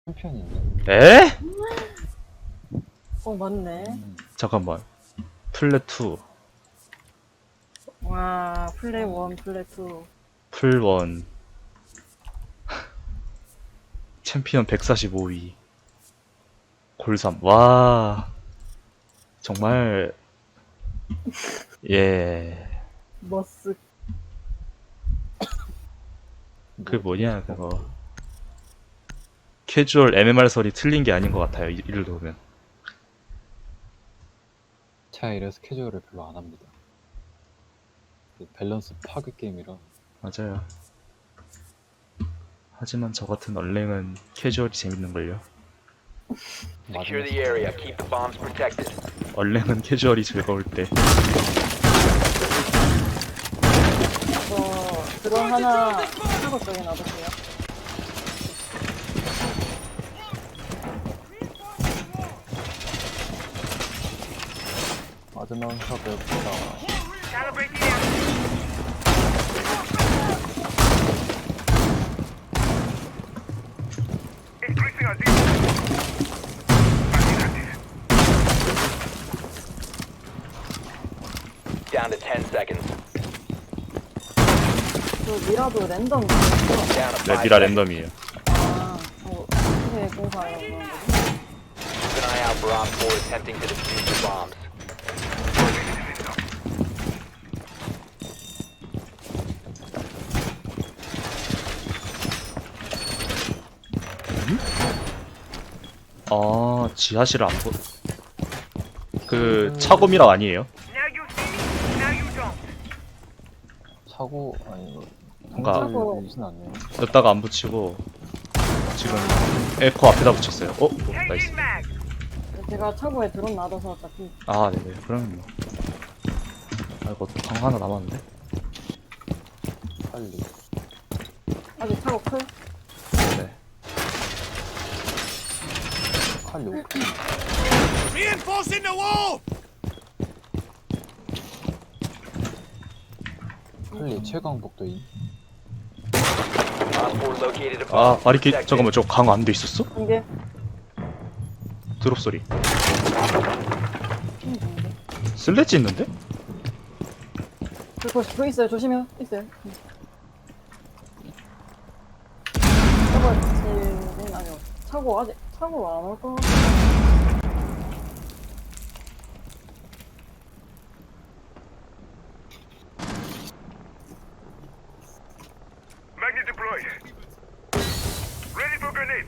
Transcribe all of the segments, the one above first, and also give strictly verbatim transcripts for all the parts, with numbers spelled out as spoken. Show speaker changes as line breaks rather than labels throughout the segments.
챔피언이 있네.
에?
어 맞네.
음.
잠깐만. 플랫 투,
와 플레이 원 플레이 투.
풀 원. 챔피언 백사십오 위. 골 삼. 와. 정말. 예.
머스.
그 뭐냐, 그거. 캐주얼 엠엠알설이 틀린 게 아닌 것 같아요, 이- 이를 보면.
제가 이래서 캐주얼을 별로 안 합니다. 그 밸런스 파괴 게임이라.
맞아요. 하지만 저 같은 얼랭은 캐주얼이 재밌는걸요.
Secure the area. Keep the bombs protected.
얼랭은 캐주얼이 즐거울 때.
저 드론 하나 차고 쪽에 놔둘게요.
맞으면서 배웁시다.
Down to ten seconds.
그 미라도 랜덤.
Down to
네,
five
미라
seconds.
랜덤이에요.
아, 어 어떻게 공사해요 그런 거지?
Keep an eye out for Op four attempting to defuse the bombs.
아, 지하실 안 보. 그 차고 미라 아니에요?
차고 아니
뭔가-
상자를 진 않네요.
넣다가 안 붙이고 지금 에코 앞에다 붙였어요. 어? 나이스.
제가 차고에 드론 놔둬서 어차피
아, 네네. 그러면 뭐. 아이고, 강 하나 남았는데?
빨리.
아직 차고 클?
네.
칼 요.
Reinforcing the wall!
칼리 최강 복도인.
Op four located a
아,
bomb.
바리케
Protect it.
잠깐만, 저 강 안 돼 있었어?
한 개.
드롭 소리.
음, 좋은데.
슬래지 있는데?
그거 그 있어요. 조심해요. 있어요. 저거 아니요. 차고 아직 차고 안 올 거.
Magnet deployed. Ready for grenades.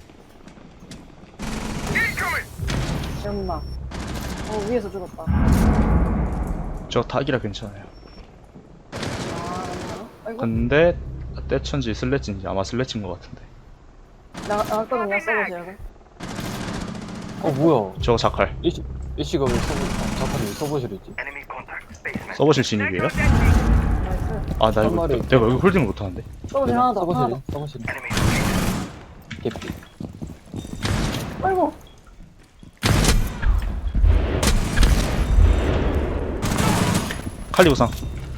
Incoming!
연막. 어 위에서 죽었다.
저 닭이라 괜찮아요.
아 맞나? 아이고
근데 떼천지 슬래지인지 아마 슬래지인 것 같은데.
나 나갔거든요. 써보세요.
어 뭐야?
저거 자칼.
일시 일시가 왜 서버 잠깐 왜 서버실이지?
Enemy contact. Basement.
서버실 진입이에요?
나이스.
아, 나
한
이거
마리.
내가 여기 홀딩을 못하는데.
써보세요 하나 더. 하나
서버실
더.
서버실.
Enemy.
개피.
아이고.
칼리 보상.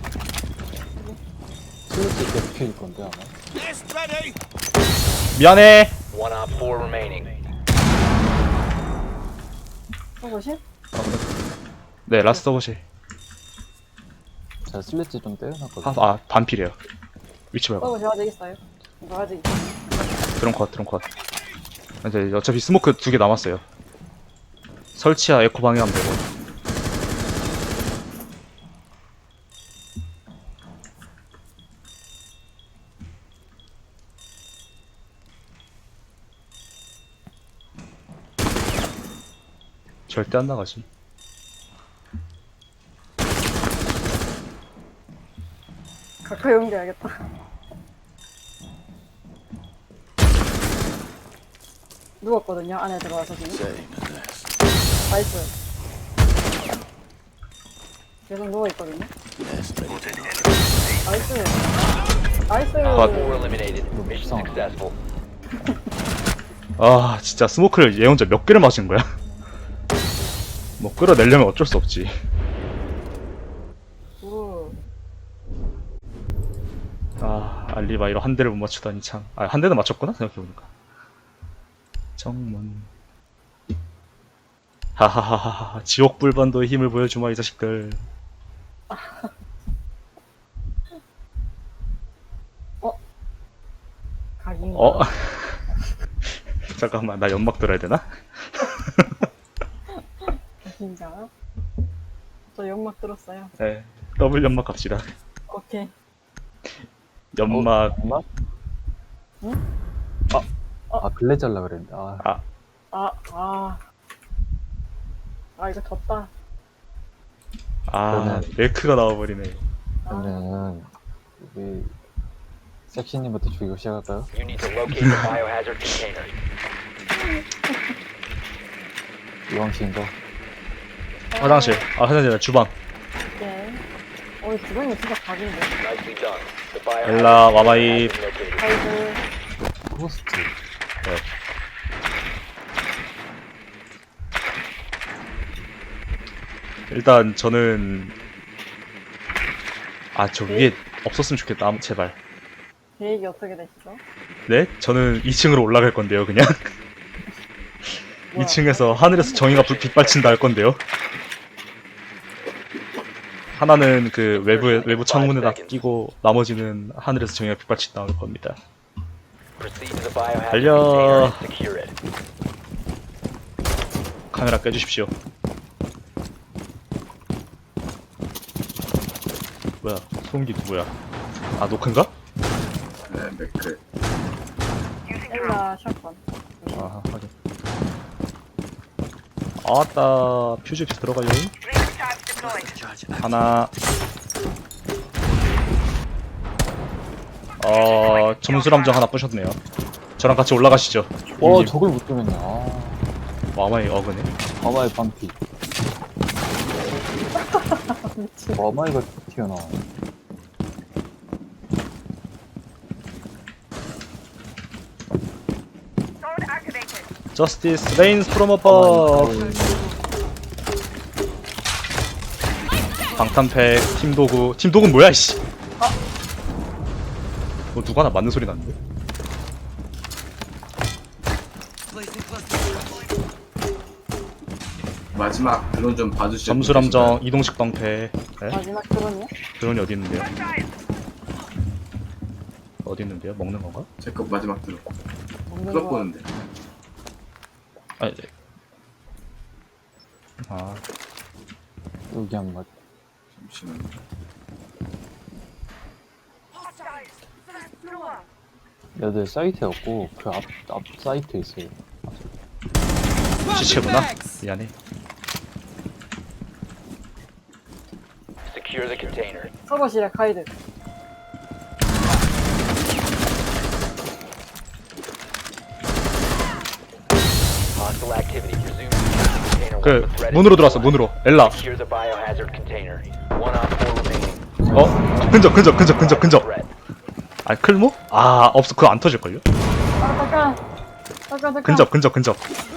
슬래치 개피일 건데 아마.
List ready!
미안해.
One Op four remaining.
써보실?
네, 라스트 서버실.
제가 슬래치 좀 떼어놨거든.
아, 아 반필이에요. 위치 말고.
써보실 아직 있어요. 이거 아직 있어요.
드론 컷, 드론 컷. 이제 어차피 스모크 두 개 남았어요. 설치야 에코 방해하면 되고. 절대 안 나가지.
가까이 옮겨야겠다. 누웠거든요. 안에 들어와서 지금. 나이스. 계속 누워있거든요. 나이스. 나이스.
컷.
Four eliminated. Mission
이상하다.
successful.
아, 진짜 스모크를 얘 혼자 몇 개를 맞은 거야? 뭐 끌어내려면 어쩔 수 없지.
오.
아, 알리바이로 한 대를 못 맞추다니 참. 아, 한 대는 맞췄구나 생각해보니까. 정문. 하하하하. 지옥 불반도의 힘을 보여주마 이 자식들.
각인가?
어? 잠깐만, 나 연막 들어야 되나?
각인가? 저 연막 들었어요.
네, 더블 연막 갑시다.
오케이.
연막.
엄마?
응?
아, 아 블레 잘라 그랬는데. 아,
아,
아, 아. 아, 이거 졌다.
아,
저는-
멜크가 나와버리네.
아,
그러면 우리 섹시님부터 죽이고 시작할까요?
You need to locate the biohazard container.
이왕신 거.
화장실. 아, 화장실 아니라 주방.
오케이. 어, 이 주방이 진짜 각인데.
Nicely done. The biohazard
엘라,
container
와마이.
has been located.
아이고.
호스트.
네. 일단 저는 아, 저 위에 없었으면 좋겠다. 아무- 제발.
계획이 어떻게 되시죠?
네? 저는 이 층으로 올라갈 건데요, 그냥.
뭐야?
이 층에서 하늘에서 정의가 불 빛발친다 할 건데요. 하나는 그 외부 외부 창문에다 끼고 나머지는 하늘에서 정의가 빛발친다 할 겁니다.
Proceed to the biohazard
달려.
container and secure it.
카메라 껴주십시오. 뭐야? 소음기 누구야? 아, 노크인가?
네, 맥크.
엘라 샷건.
아, 확인. 아따, 퓨즈 들어가요. 하나. 어, 점수람정 하나 부셨네요. 저랑 같이 올라가시죠.
와,
형님.
저걸 못 들었냐. 아,
와마이 어그네.
와마의 반피. 와마이가 튀어나와.
Justice reigns from above. 방탄팩, 팀도구. 팀도구는 뭐야, 씨. 뭐 누가 나 맞는 소리 났는데?
마지막 드론 좀 봐주시죠.
점수람정, 이동식 방패. 네?
마지막 드론이요?
드론이 어디 있는데요? 어디 있는데요? 먹는 건가?
제거 마지막 드론.
없는
클럽
거.
보는데.
아, 네. 아,
여기 한 번.
잠시만.
여들 사이트에 없고 그 앞 앞 사이트에 있어요.
시체구나. 미안해.
Secure the container.
서버실에 가이드.
Hostile activity. Resume securing the container
그
once the threat is
문으로 들어왔어.
neutralized.
문으로. 엘라.
Secure the biohazard container. One on four remaining.
어? 근접, 근접, 근접, 근접, 근접.
Threat.
아, 클모? 아, 없어. 그거 안 터질걸요?
아, 잠깐. 잠깐, 잠깐.
근접, 근접, 근접.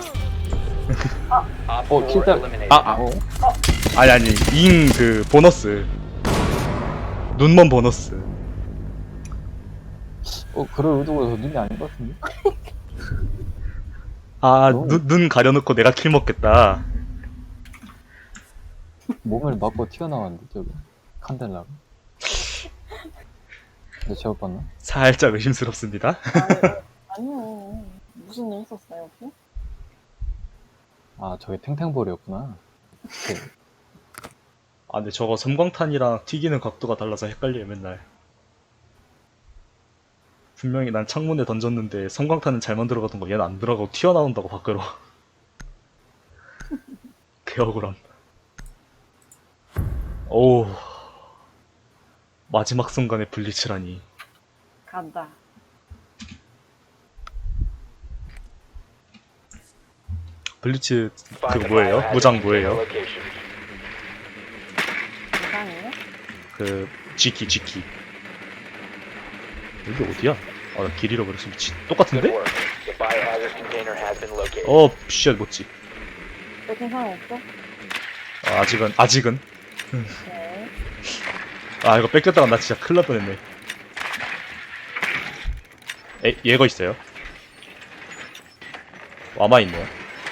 Op
Oh,
four
keep that-
eliminated.
아,
어?
아니, 아니. 잉, 그, 보너스. 눈먼 보너스.
어, 그럴 의도가 저 눈이 아닌 것 같은데?
아,
너무-
눈, 눈 가려놓고 내가 킬 먹겠다.
몸을 맞고 튀어나왔는데 저기 칸델라가. 내 잘못 봤나?
살짝 의심스럽습니다.
아니, 아니요. 무슨 일 있었어요, 혹시?
아, 저게 탱탱볼이었구나. 그,
아, 근데 저거 섬광탄이랑 튀기는 각도가 달라서 헷갈려요, 맨날. 분명히 난 창문에 던졌는데 섬광탄은 잘만 들어가던 거 얘는 안 들어가고 튀어나온다고 밖으로. 개억울함. 오, 마지막 순간에 블리츠라니.
간다.
블리츠
Find
그거
the
뭐예요?
biohazard
무장
container
뭐예요?
location.
이상해요?
그 G키 G키. 여기 어디야? 아, 나 길 잃어버렸어. 미친.
Good
똑같은데?
work. The biohazard container has been located.
어, 쉣, 뭐지?
뺏긴 사람 없어?
아, 아직은 아직은.
네.
아, 이거 뺏겼다가 나 진짜 큰일 날 뻔했네. 에, 얘거 있어요. 와마 있네요.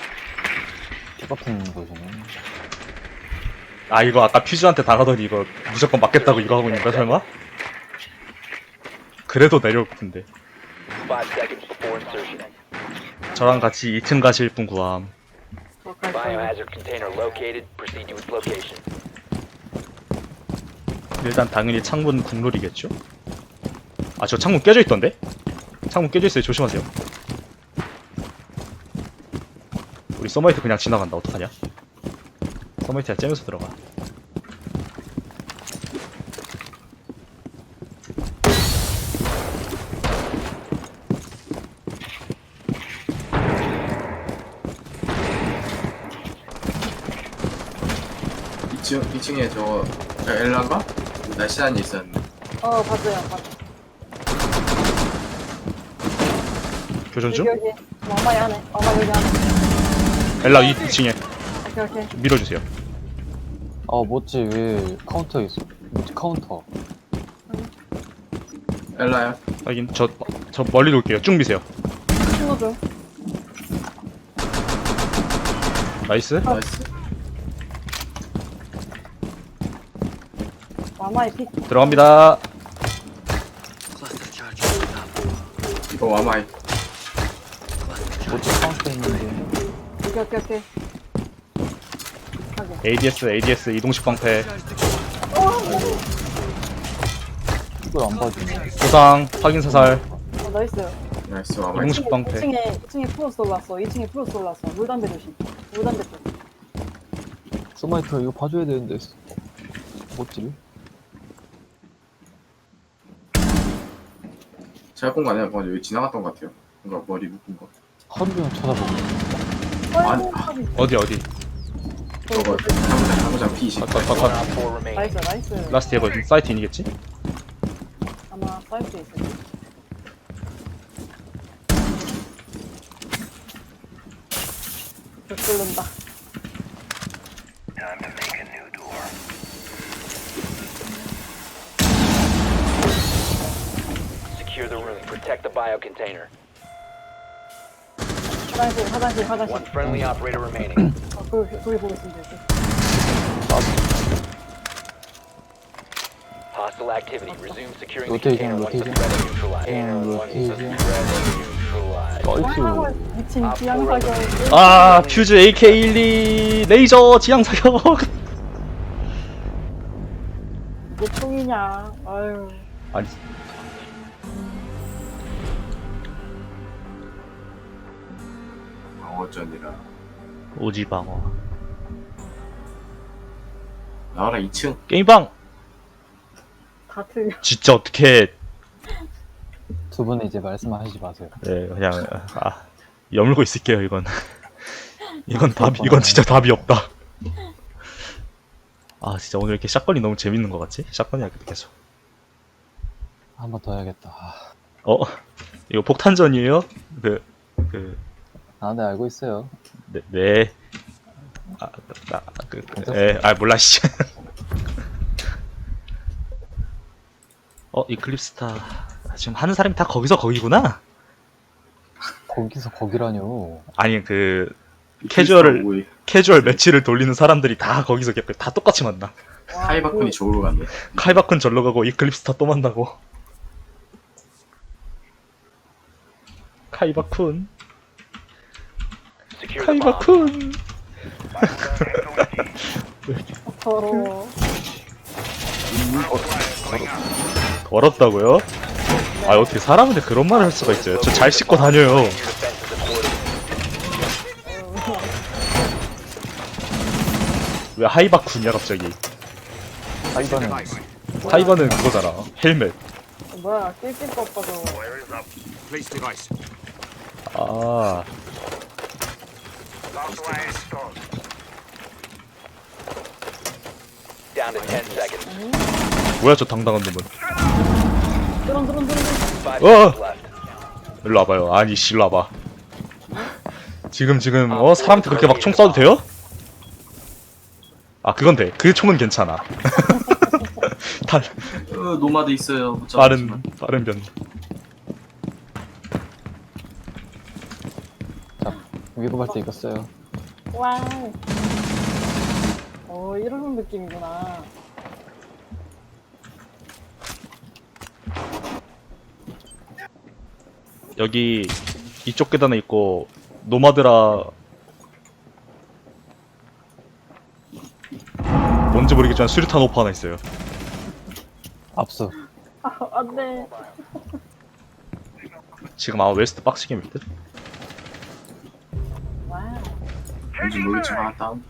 똑같은 곳이네.
아 이거 아까 퓨즈한테 당하더니 이거 무조건 맞겠다고 이거 하고 있는 거야 설마? 그래도 내려올 텐데.
Five seconds before insertion.
저랑 같이 이 층 가실 분 구함.
어, 갈 거야.
Biohazard container located. Proceed to its location.
일단 당연히 창문 국룰이겠죠? 아 저 창문 깨져 있던데? 창문 깨져 있어요. 조심하세요. 우리 서머이트 그냥 지나간다. 어떡하냐? 서머이트야 째면서 들어가.
이 층, 이 층에 저, 저 엘라가? 날씬한이 있었는데.
어, 봤어요. 봤어.
교전 중?
여기, 여기. 엄마 안에. 엄마 여기 안에.
엘라 이 층에
오케이, 오케이.
밀어주세요.
아 뭐지 왜 카운터 있어? 뭐지 카운터?
엘라야?
하긴 저, 저 멀리 놓을게요. 쭉 미세요.
친구 좀.
나이스.
나이스.
마마의 픽.
들어갑니다.
이거 와마이.
뭐지 카운터 있는데.
오케이, 오케이, 오케이. 하게.
에이디에스 에이디에스 이동식 방패.
이걸 안 봐주네.
부상 확인 사살.
어, 나이스.
나이스, 와마이.
이동식 방패.
이 층에, 이 층에 프로스 올랐어. 이 층에 프로스 올랐어. 물담배 조심. 물담배 쪽.
스마이터 이거 봐줘야 되는데. 뭐지?
제가 본 거 아니야? 방금 여기 지나갔던 것 같아요. 뭔가 머리 묶은 거.
하루 종일 쳐다보고.
아니,
아이고, 탑이.
어디 어디?
저거, 사무장, 사무장 피이십.
컷, 컷, 컷.
Op four remaining.
나이스, 나이스.
라스트 에버 사이트 인이겠지?
아마 사이트에 있을 거야. 벽 뚫는다.
Time to make a new door.
Secure the room. Protect the bio container.
화장실, 화장실, 화장실.
One friendly operator remaining.
어, 거기, 거기 보고 있으면 돼.
Hostile activity. Resume securing the
Rotation,
container once the
rotation.
threat is neutralized.
And
Once the
rotation.
threat is neutralized.
얼쑤.
미친 지향사격.
아 퓨즈 에이케이 십이 레이저 지향 사격.
이게 총이냐. 아유.
아니
방어전이라.
오지방어.
나와라, 이 층.
게임방.
다 틀려.
진짜 어떻게?
두 분은 이제 말씀하시지 마세요.
네 그냥 아 여물고 있을게요 이건. 이건 답 이건 진짜 답이 없다. 아 진짜 오늘 이렇게 샷건이 너무 재밌는 것 같지? 샷건이 할게 계속.
한 번 더 해야겠다. 아,
어 이거 폭탄전이에요? 그 그
아, 네 알고 있어요.
네. 네. 아, 나, 그, 그, 에, 아, 몰라, 씨. 어, 이클립스타. 지금 하는 사람이 다 거기서 거기구나?
거기서 거기라뇨.
아니, 그, 캐주얼을,
오이.
캐주얼 매치를 돌리는 사람들이 다 거기서 겪- 다 똑같이 만나.
와,
카이바쿤이 저으로 갔네.
카이바쿤 절로 가고, 이클립스타 또 만나고. 카이바쿤.
Secure the bomb.
카이바쿤.
더러워.
더럽다고요? 아, 어떻게 사람한테 그런 말을 할 수가 있어요? 저 잘 씻고 다녀요.
Defenses accordingly.
왜 하이바쿤이야, 갑자기?
하이바는
하이바는 그거잖아. 헬멧.
어, 뭐야, 낄낄 거 없어, 저거.
Wire is up. Place device.
아,
Last wire installed.
Down to ten seconds.
뭐야, 저 당당한 놈은.
드론, 드론, 드론, 드론.
Five
Oh.
seconds left.
일로 와봐요. 아니, 씨, 일로 와봐. 지금, 지금, 어? 사람한테 그렇게 막 총 쏴도 돼요? 아, 그건 돼. 그 총은 괜찮아. 다,
어, 노마드 있어요. 못
빠른,
잡았지만.
빠른 변.
위급할 때 이거 써요.
와우. 어, 이런 느낌이구나.
여기 이쪽 계단에 있고 노마드라 뭔지 모르겠지만 수류탄 오퍼 하나 있어요.
압수.
아, 안 돼.
지금 아마 웨스트 빡치게일 듯?
와우.
뭔지 모르겠지만 하나 다운.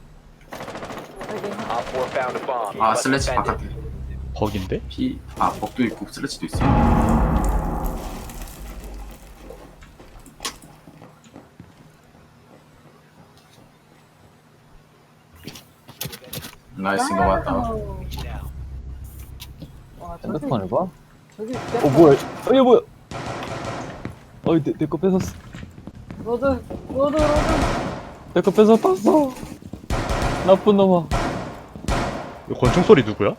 여기
Op four found a bomb. You
아
must
슬래치
defend
바깥에.
it.
버기인데?
피, 아 벅도 있고 슬래치도 있어요. 나이스 이거 맞다.
와우. 와, 저기,
핸드폰을 봐?
저기
어 뭐야? 어 이거 뭐야? 어이 내 거 뺏었어.
로드, 로드, 로드.
내 거 뺏었어. 나쁜 놈아.
이 권총 소리 누구야?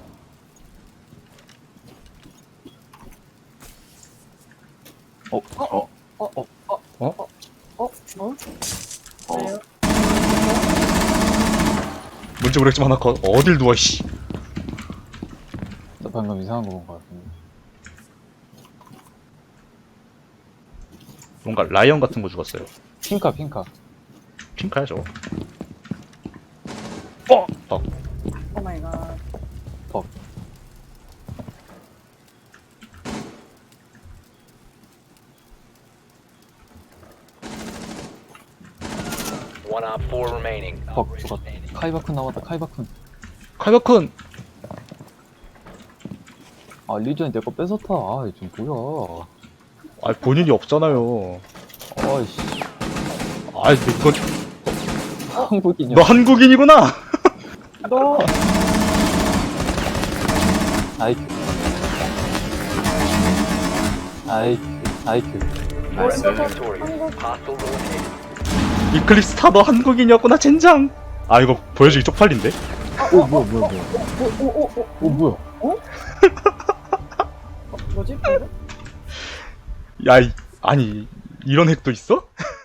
어?
어? 어? 어?
어?
왜요?
뭔지 모르겠지만 하나 컷. 어딜 누워 씨.
나 방금 이상한 거 본 거 같은데.
뭔가 라이언 같은 거 죽었어요.
핑카 핑카.
핑크야 저거. 어! 어.
오 마이 갓.
퍽.
One op four remaining.
퍽 죽었다. 카이바쿤 나왔다. 카이바쿤.
칼바쿤!
아 리전이 내 거 뺏었다. 아 지금 뭐야?
아 본인이 없잖아요.
아이씨.
아 이건
한국인이야.
너 한국인이구나!
너,
아이큐. 아이큐. 아이큐.
나이스.
Victorious. Hostile eliminated.
이클립스타 너 한국인이었구나 젠장! 아 이거 보여주기 쪽팔린데?
오 뭐야 뭐야 뭐야.
오, 오, 오, 오.
오 뭐야?
어, 뭐지? 근데?
야 이, 아니 이런 핵도 있어?